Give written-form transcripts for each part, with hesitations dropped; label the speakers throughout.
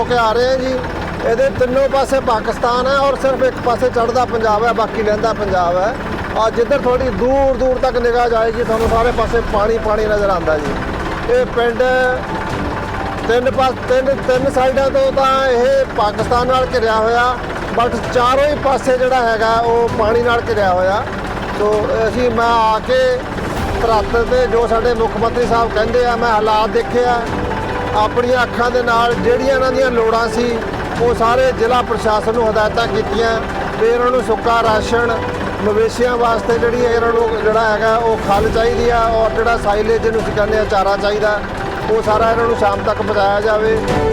Speaker 1: ਕੇ ਆ ਰਹੇ ਹਾਂ ਜੀ। ਇਹਦੇ ਤਿੰਨੋਂ ਪਾਸੇ ਪਾਕਿਸਤਾਨ ਹੈ ਔਰ ਸਿਰਫ ਇੱਕ ਪਾਸੇ ਚੜ੍ਹਦਾ ਪੰਜਾਬ ਹੈ, ਬਾਕੀ ਲਹਿੰਦਾ ਪੰਜਾਬ ਹੈ। ਆ ਜਿੱਧਰ ਥੋੜੀ ਦੂਰ ਦੂਰ ਤੱਕ ਨਿਗਾਹ ਜਾਏਗੀ ਤੁਹਾਨੂੰ ਸਾਰੇ ਪਾਸੇ ਪਾਣੀ ਪਾਣੀ ਨਜ਼ਰ ਆਉਂਦਾ ਜੀ। ਇਹ ਪਿੰਡ ਤਿੰਨ ਸਾਈਡਾਂ ਤੋਂ ਤਾਂ ਇਹ ਪਾਕਿਸਤਾਨ ਨਾਲ ਘਿਰਿਆ ਹੋਇਆ, ਬਟ ਚਾਰੋਂ ਹੀ ਪਾਸੇ ਜਿਹੜਾ ਹੈਗਾ ਉਹ ਪਾਣੀ ਨਾਲ ਘਿਰਿਆ ਹੋਇਆ। ਸੋ ਮੈਂ ਆ ਕੇ ਧਰਤ ਤੇ ਜੋ ਸਾਡੇ ਮੁੱਖ ਮੰਤਰੀ ਸਾਹਿਬ ਕਹਿੰਦੇ ਆ, ਮੈਂ ਹਾਲਾਤ ਦੇਖਿਆ ਆਪਣੀਆਂ ਅੱਖਾਂ ਦੇ ਨਾਲ। ਜਿਹੜੀਆਂ ਇਹਨਾਂ ਦੀਆਂ ਲੋੜਾਂ ਸੀ ਉਹ ਸਾਰੇ ਜ਼ਿਲ੍ਹਾ ਪ੍ਰਸ਼ਾਸਨ ਨੂੰ ਹਦਾਇਤਾਂ ਕੀਤੀਆਂ ਵੀ ਇਹਨਾਂ ਨੂੰ ਸੁੱਕਾ ਰਾਸ਼ਨ, ਮਵੇਸ਼ੀਆਂ ਵਾਸਤੇ ਜਿਹੜੀ ਇਹਨਾਂ ਨੂੰ ਜਿਹੜਾ ਹੈਗਾ ਉਹ ਖਲ ਚਾਹੀਦੀ ਆ, ਔਰ ਜਿਹੜਾ ਸਾਈਲੇਜ ਜਿਹਨੂੰ ਅਸੀਂ ਕਹਿੰਦੇ ਆ ਚਾਰਾ ਚਾਹੀਦਾ, ਉਹ ਸਾਰਾ ਇਹਨਾਂ ਨੂੰ ਸ਼ਾਮ ਤੱਕ ਪਹੁੰਚਾਇਆ ਜਾਵੇ।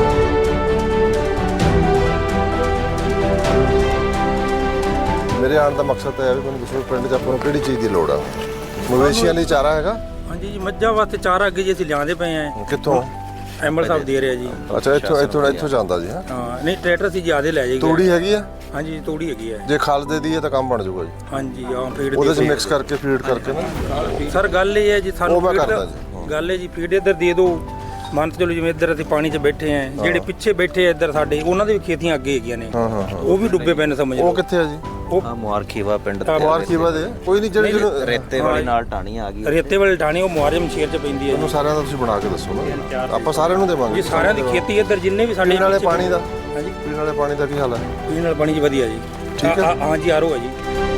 Speaker 1: ਮੇਰੇ ਆਉਣ ਦਾ ਮਕਸਦ ਤਾਂ ਇਹ ਹੈ ਵੀ ਮੈਨੂੰ ਦੱਸੋ ਪਿੰਡ 'ਚ ਆਪਾਂ ਨੂੰ ਕਿਹੜੀ ਚੀਜ਼ ਦੀ ਲੋੜ ਆ। ਮਵੇਸ਼ੀਆਂ ਲਈ ਚਾਰਾ ਹੈਗਾ?
Speaker 2: ਹਾਂਜੀ ਜੀ, ਮੱਝਾਂ ਵਾਸਤੇ ਚਾਰਾ ਅੱਗੇ ਜੀ ਅਸੀਂ ਲਿਆਂਦੇ ਪਏ ਆਂ।
Speaker 1: ਕਿੱਥੋਂ?
Speaker 2: ਐਮਐਲ ਸਾਹਿਬ ਦੇ ਰਿਹਾ ਜੀ।
Speaker 1: ਅੱਛਾ, ਇੱਥੋਂ ਜਾਂਦਾ ਜੀ।
Speaker 2: ਹਾਂ ਨਹੀਂ, ਟਰੈਕਟਰ ਸੀ ਜ਼ਿਆਦਾ ਲੈ ਜਾਏਗਾ।
Speaker 1: ਤੂੜੀ ਹੈਗੀ ਆ?
Speaker 2: ਹਾਂਜੀ ਤੂੜੀ ਹੈਗੀ ਹੈ।
Speaker 1: ਜੇ ਖਲ ਦੇ ਦਈਏ ਤਾਂ ਕੰਮ ਬਣ ਜਾਊਗਾ ਜੀ।
Speaker 2: ਹਾਂਜੀ ਹਾਂ, ਫੀਡ
Speaker 1: ਉਹਦੇ 'ਚ ਮਿਕਸ ਕਰਕੇ ਫੀਡ ਕਰਕੇ ਨਾ।
Speaker 2: ਸਰ ਗੱਲ ਇਹ ਹੈ ਜੀ, ਸਾਨੂੰ ਗੱਲ ਹੈ ਜੀ ਫੀਡ ਇੱਧਰ ਦੇ ਦਿਓ। ਮੰਨ ਚਲੋ ਜਿਵੇਂ ਇੱਧਰ ਅਸੀਂ ਪਾਣੀ 'ਚ ਬੈਠੇ ਆਂ, ਜਿਹੜੇ ਪਿੱਛੇ ਬੈਠੇ ਆ ਇੱਧਰ ਸਾਡੇ, ਉਹਨਾਂ ਦੀ ਵੀ ਖੇਤੀਆਂ ਅੱਗੇ ਹੈਗੀਆਂ ਨੇ, ਉਹ ਵੀ ਡੁੱਬੇ ਪਏ ਨੇ ਸਮਝ ਲਓ।
Speaker 1: ਉਹ ਕਿੱਥੇ ਆ ਜੀ?
Speaker 2: ਉਹ
Speaker 3: ਮੁਹਾਰਖੀਵਾ ਪਿੰਡ
Speaker 1: ਮੁਹਾਰਖੀਵਾ ਦੇ ਕੋਈ ਨਹੀਂ, ਜਿਹੜੀ
Speaker 3: ਰੇਤੇ ਵਾਲੀ ਨਾਲ ਟਾਣੀ ਆ ਗਈ।
Speaker 2: ਰੇਤੇ ਵਾਲੀ ਟਾਣੀ ਉਹ ਮੁਹਾਰਮ ਸ਼ੇਰ 'ਚ ਪੈਂਦੀ ਹੈ।
Speaker 1: ਉਹਨੂੰ ਸਾਰਿਆਂ ਦਾ ਤੁਸੀਂ ਬਣਾ ਕੇ ਦੱਸੋ ਨਾ, ਆਪਾਂ ਸਾਰਿਆਂ ਨੂੰ ਦੇਵਾਂਗੇ।
Speaker 2: ਜੀ ਸਾਰਿਆਂ ਦੀ ਖੇਤੀ ਇੱਧਰ ਜਿੰਨੇ ਵੀ ਸਾਡੇ
Speaker 1: ਪੀਣ ਵਾਲੇ ਪਾਣੀ ਦਾ,
Speaker 2: ਹਾਂਜੀ
Speaker 1: ਪੀਣ ਵਾਲੇ ਪਾਣੀ ਦਾ ਕੀ ਹਾਲ ਹੈ?
Speaker 2: ਪੀਣ ਵਾਲਾ ਪਾਣੀ ਜੀ ਵਧੀਆ ਜੀ।
Speaker 1: ਠੀਕ ਹੈ।
Speaker 2: ਹਾਂਜੀ ਆਰੋ ਹੈ ਜੀ।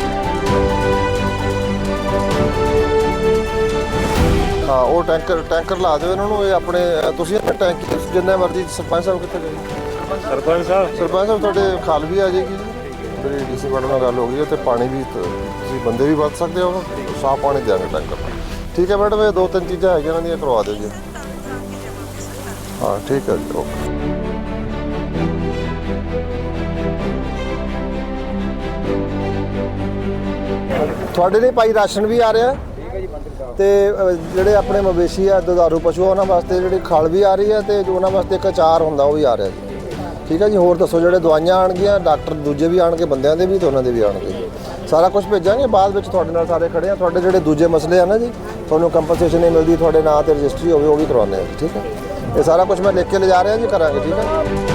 Speaker 1: ਹਾਂ ਉਹ ਟੈਂਕਰ ਲਾ ਦਿਓ ਇਹਨਾਂ ਨੂੰ। ਇਹ ਆਪਣੇ ਤੁਸੀਂ ਆਪਣੇ ਟੈਂਕ ਜਿੰਨੇ ਮਰਜ਼ੀ। ਸਰਪੰਚ ਸਾਹਿਬ ਕਿੱਥੇ ਗਏ?
Speaker 2: ਸਰਪੰਚ
Speaker 1: ਸਾਹਿਬ ਤੁਹਾਡੇ ਖਾਲ ਵੀ ਆ ਜਾਏਗੀ ਜੀ। ਮੇਰੀ ਡੀਸੀ ਮੈਡਮ ਨਾਲ ਗੱਲ ਹੋ ਗਈ ਹੈ, ਤੇ ਪਾਣੀ ਵੀ ਤੁਸੀਂ ਬੰਦੇ ਵੀ ਵਰਤ ਸਕਦੇ ਹੋ, ਸਾਫ਼ ਪਾਣੀ ਦਿਆਂਗੇ ਟੈਂਕਰ। ਠੀਕ ਹੈ ਮੈਡਮ, ਇਹ 2-3 ਚੀਜ਼ਾਂ ਹੈਗੀਆਂ ਇਹਨਾਂ ਦੀਆਂ, ਕਰਵਾ ਦਿਓ ਜੀ। ਹਾਂ ਠੀਕ ਹੈ ਜੀ, ਓਕੇ। ਤੁਹਾਡੇ ਲਈ ਭਾਈ ਰਾਸ਼ਨ ਵੀ ਆ ਰਿਹਾ ਤੇ ਜਿਹੜੇ ਆਪਣੇ ਮਵੇਸ਼ੀ ਆ, ਦੁਧਾਰੂ ਪਸ਼ੂ, ਉਹਨਾਂ ਵਾਸਤੇ ਜਿਹੜੀ ਖਲ ਵੀ ਆ ਰਹੀ ਹੈ, ਤੇ ਉਹਨਾਂ ਵਾਸਤੇ ਇੱਕ ਅਚਾਰ ਹੁੰਦਾ ਉਹ ਵੀ ਆ ਰਿਹਾ ਜੀ। ਠੀਕ ਹੈ ਜੀ। ਹੋਰ ਦੱਸੋ, ਜਿਹੜੇ ਦਵਾਈਆਂ ਆਉਣਗੀਆਂ, ਡਾਕਟਰ ਦੂਜੇ ਵੀ ਆਉਣਗੇ, ਬੰਦਿਆਂ ਦੇ ਵੀ ਤੇ ਉਹਨਾਂ ਦੇ ਵੀ ਆਉਣਗੇ, ਸਾਰਾ ਕੁਝ ਭੇਜਾਂਗੇ। ਬਾਅਦ ਵਿੱਚ ਤੁਹਾਡੇ ਨਾਲ ਸਾਰੇ ਖੜੇ ਆ। ਤੁਹਾਡੇ ਜਿਹੜੇ ਦੂਜੇ ਮਸਲੇ ਆ ਨਾ ਜੀ, ਤੁਹਾਨੂੰ ਕੰਪਨਸੇਸ਼ਨ ਨਹੀਂ ਮਿਲਦੀ, ਤੁਹਾਡੇ ਨਾਂ ਤੇ ਰਜਿਸਟਰੀ ਹੋਵੇ, ਉਹ ਵੀ ਕਰਵਾਉਂਦੇ ਆ ਜੀ। ਠੀਕ ਹੈ, ਇਹ ਸਾਰਾ ਕੁਝ ਮੈਂ ਲਿਖ ਕੇ ਲਿਜਾ ਰਿਹਾ ਜੀ, ਕਰਾਂਗੇ। ਠੀਕ ਹੈ।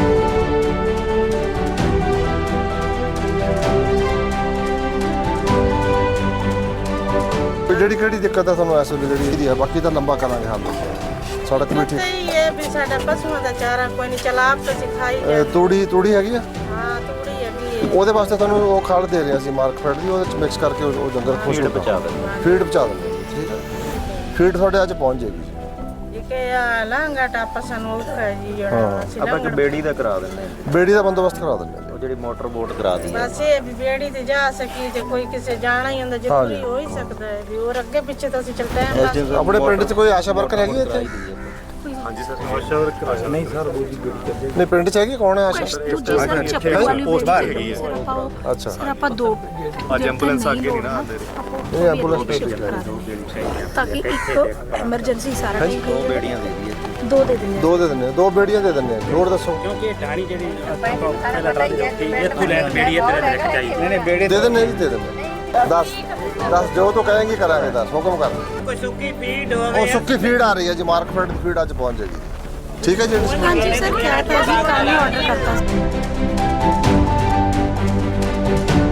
Speaker 1: ਕਿਹੜੀ ਦਿੱਕਤ ਹੈ ਤੁਹਾਨੂੰ ਇਸ ਵੇਲੇ ਜਿਹੜੀ ਇਹਦੀ ਹੈ? ਬਾਕੀ ਤਾਂ ਲੰਬਾ ਕਰਾਂਗੇ ਹੱਲ। ਸੜਕ ਵੀ ਠੀਕ
Speaker 4: ਹੈ ਵੀ ਸਾਡਾ ਪਸ਼ੂਆਂ ਦਾ ਚਾਰਾ ਕੋਈ ਨਹੀਂ ਚਲਾਪ ਤਾਂ ਸਿਖਾਈ ਜਾ।
Speaker 1: ਤੂੜੀ ਹੈਗੀ ਆ?
Speaker 4: ਹਾਂ ਤੂੜੀ ਹੈਗੀ ਹੈ।
Speaker 1: ਉਹਦੇ ਵਾਸਤੇ ਤੁਹਾਨੂੰ ਉਹ ਖਲ ਦੇ ਰਹੇ ਸੀ ਮਾਰਕਫੈਟ ਦੀ, ਉਹਦੇ ਚ ਮਿਕਸ ਕਰਕੇ ਉਹ ਜੰਗਲ ਖੁਸ਼
Speaker 3: ਫੀਡ ਪਹੁੰਚਾ ਦਿੰਦੇ।
Speaker 1: ਫੀਡ ਪਹੁੰਚਾ ਦਿੰਦੇ। ਠੀਕ ਹੈ, ਫੀਡ ਤੁਹਾਡੇ ਅੱਜ ਪਹੁੰਚ ਜਾਏਗੀ।
Speaker 4: ਇਹ ਲਾਂਗਾ ਟਾਪਾ ਸਾਨੂੰ ਔਖਾ ਹੈ ਜੀ ਜਿਹੜਾ
Speaker 3: ਆਪਾਂ ਇੱਕ ਬੇੜੀ ਦਾ ਕਰਾ ਦਿੰਦੇ ਹਾਂ।
Speaker 1: ਬੇੜੀ ਦਾ ਬੰਦੋਬਸਤ ਕਰਾ ਦਿੰਦੇ
Speaker 3: ਉਹ ਜਿਹੜੀ ਮੋਟਰ ਬੋਟ ਕਰਾ ਦੀ
Speaker 4: ਬਸ ਇਹ ਵੀ ਬੇੜੀ ਤੇ ਜਾ ਸਕੀ ਤੇ ਕੋਈ ਕਿਸੇ ਜਾਣਾ ਹੀ ਹੁੰਦਾ, ਜ਼ਰੂਰੀ ਹੋ ਹੀ ਸਕਦਾ ਹੈ ਵੀ ਹੋਰ ਅੱਗੇ ਪਿੱਛੇ ਤਾਂ ਅਸੀਂ ਚੱਲਦੇ ਆਂ।
Speaker 1: ਆਪਣੇ ਪਿੰਡ 'ਚ ਕੋਈ ਆਸ਼ਾ ਵਰਕਰ ਹੈਗੀ ਇੱਥੇ?
Speaker 5: ਹਾਂਜੀ ਸਰ, ਆਸ਼ਾ ਵਰਕਰ ਨਹੀਂ ਸਰ,
Speaker 1: ਨਹੀਂ ਪਿੰਡ 'ਚ ਹੈਗੀ? ਕੌਣ ਹੈ ਆਸ਼ਾ?
Speaker 5: ਪੋਸਟ ਬਾਹਰ ਹੈਗੀ ਹੈ।
Speaker 1: ਅੱਛਾ,
Speaker 6: ਸਰ ਆਪਾਂ ਦੋ
Speaker 5: ਅੱਜ ਐਂਬੂਲੈਂਸ ਅੱਗੇ ਨਹੀਂ ਨਾ ਆਉਂਦੇ।
Speaker 1: ਇਹ ਐਂਬੂਲੈਂਸ
Speaker 6: ਤਾਂ ਕਿ ਇੱਕ ਐਮਰਜੈਂਸੀ ਸਾਰਾ ਠੀਕ
Speaker 3: ਦੋ ਬੇੜੀਆਂ ਦੇ ਦਈਏ।
Speaker 6: ਦੋ ਦੇ ਦਿੰਦੇ
Speaker 1: ਦੋ ਦੇ ਦਿੰਦੇ, 2 ਬੇੜੀਆਂ ਦੇ ਦਿੰਦੇ। ਹੋਰ ਦੱਸੋ।
Speaker 2: ਕਿਉਂਕਿ ਇਹ ਟਾਣੀ ਜਿਹੜੀ ਇੱਥੋਂ ਲੈ ਬੇੜੀ ਇੱਧਰ ਰੱਖ ਚਾਹੀਦੀ ਨੇ ਬੇੜੇ
Speaker 1: ਦੇ ਦਿੰਦੇ ਜੀ, ਦੇ ਦਿੰਦੇ। ਦੱਸ ਜੋ ਤੂੰ ਕਹੇਂਗੀ ਕਰਾਂਗੇ। ਦੱਸ, ਹੁਕਮ ਕਰ।
Speaker 2: ਕੋਈ ਸੁੱਕੀ ਫੀਡ
Speaker 1: ਉਹ ਸੁੱਕੀ ਫੀਡ ਆ ਰਹੀ ਹੈ ਜੀ, ਮਾਰਕਫੈਟ ਦੀ ਫੀਡ ਅੱਜ ਪਹੁੰਚ ਜਾਏਗੀ। ਠੀਕ ਹੈ ਜੀ।
Speaker 6: ਹਾਂਜੀ ਸਰ, ਕਿਹਾ ਤਾਂ ਜੀ ਕੱਲ ਹੀ ਆਰਡਰ ਕਰਤਾ ਸੀ।